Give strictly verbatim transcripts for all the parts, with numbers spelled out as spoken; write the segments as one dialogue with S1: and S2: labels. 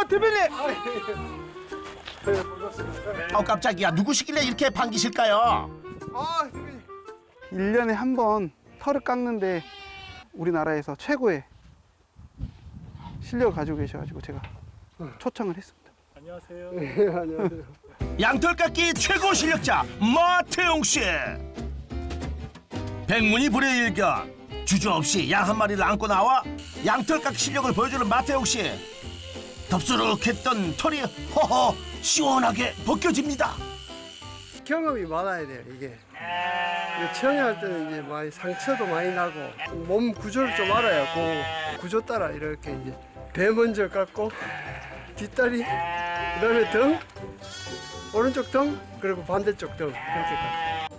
S1: 대표님.
S2: 어 깜짝이야. 누구시길래 이렇게 반기실까요?
S1: 아, 대표님. 일 년에 한 번 털을 깎는데 우리나라에서 최고의 실력을 가지고 계셔가지고 제가 초청을 했습니다.
S3: 안녕하세요.
S1: 네, 안녕하세요.
S2: 양털 깎기 최고 실력자 마태용 씨. 백문이 불여일견. 주저없이 양 한 마리를 안고 나와 양털 깎기 실력을 보여주는 마태용 씨. 덥수룩했던 털이 허허 시원하게 벗겨집니다.
S4: 경험이 많아야 돼요, 이게. 이게 처음에 할 때는 이제 많이 상처도 많이 나고 몸 구조를 좀 알아야 그 구조 따라 이렇게 이제 배 먼저 깎고 뒷다리, 그다음에 등, 오른쪽 등, 그리고 반대쪽 등 그렇게 깎고.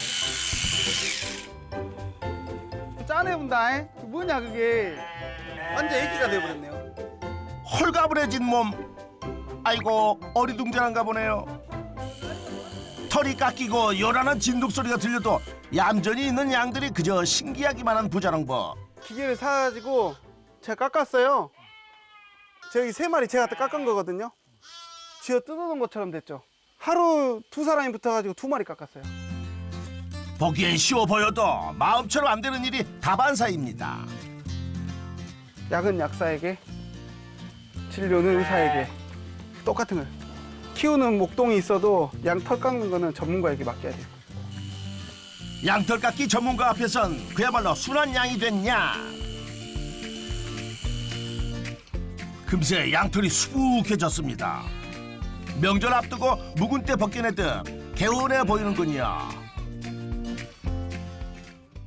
S1: 짠해본다. 뭐냐 그게. 완전 애기가 돼버렸네요.
S2: 홀가분해진 몸. 아이고 어리둥절한가 보네요. 털이 깎이고 요란한 진동 소리가 들려도 얌전히 있는 양들이 그저 신기하기만 한 부자랑법.
S1: 기계를 사가지고 제가 깎았어요. 저기 세 마리 제가 깎은 거거든요. 쥐어 뜯어놓은 것처럼 됐죠. 하루 두 사람이 붙어가지고 두 마리 깎았어요.
S2: 보기엔 쉬워 보여도 마음처럼 안 되는 일이 다반사입니다.
S1: 약은 약사에게, 진료는 의사에게. 똑같은 거예요. 키우는 목동이 있어도 양 털 깎는 거는 전문가에게 맡겨야 돼요.
S2: 양털 깎기 전문가 앞에선 그야말로 순한 양이 됐냐. 금세 양털이 수북해졌습니다. 명절 앞두고 묵은 때 벗겨내듯 개운해 보이는군요.